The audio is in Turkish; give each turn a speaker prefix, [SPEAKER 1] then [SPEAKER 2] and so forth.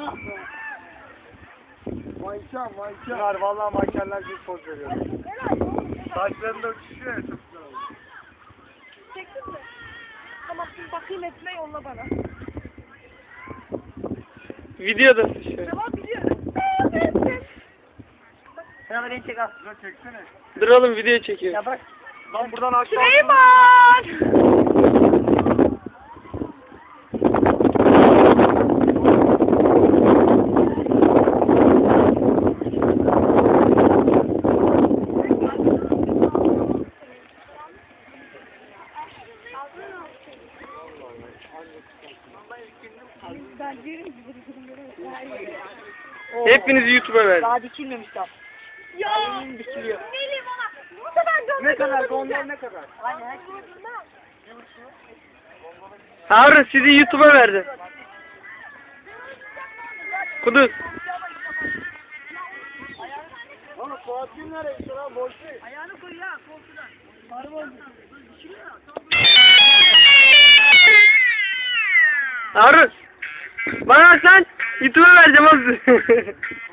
[SPEAKER 1] Manken.
[SPEAKER 2] Bunlar vallahi mankenler gibi poz veriyor. Saçlarında uçuşuyor ya, çok güzel oldu.
[SPEAKER 3] Çektin mi? Tamam şimdi bakayım etme yolla bana.
[SPEAKER 4] Videodasın şu an.
[SPEAKER 3] Tamam biliyorum.
[SPEAKER 1] Sen beni çek al.
[SPEAKER 2] Güzel çeksene.
[SPEAKER 4] Dur oğlum video çekiyor.
[SPEAKER 1] Ya bırak.
[SPEAKER 2] Lan buradan aşağı.
[SPEAKER 3] Süleyman! Ben yerim
[SPEAKER 4] Hepinizi YouTube'a ver.
[SPEAKER 1] Daha dikilmemiş tam.
[SPEAKER 3] Ya!
[SPEAKER 1] Dikiliyor.
[SPEAKER 3] Neyleyim ona? Bu sefer dönme.
[SPEAKER 2] Ne kadar? Gondol ne kadar?
[SPEAKER 1] Aynen.
[SPEAKER 4] Harun sizi YouTube'a verdim. Kuduz.
[SPEAKER 2] Oğlum Fuat'ın nereye gitti lan? Boş değil.
[SPEAKER 1] Ayağını koy ya koltuğuna.
[SPEAKER 4] Harun. Bana bak lan. YouTube'a vereceğim oğlum.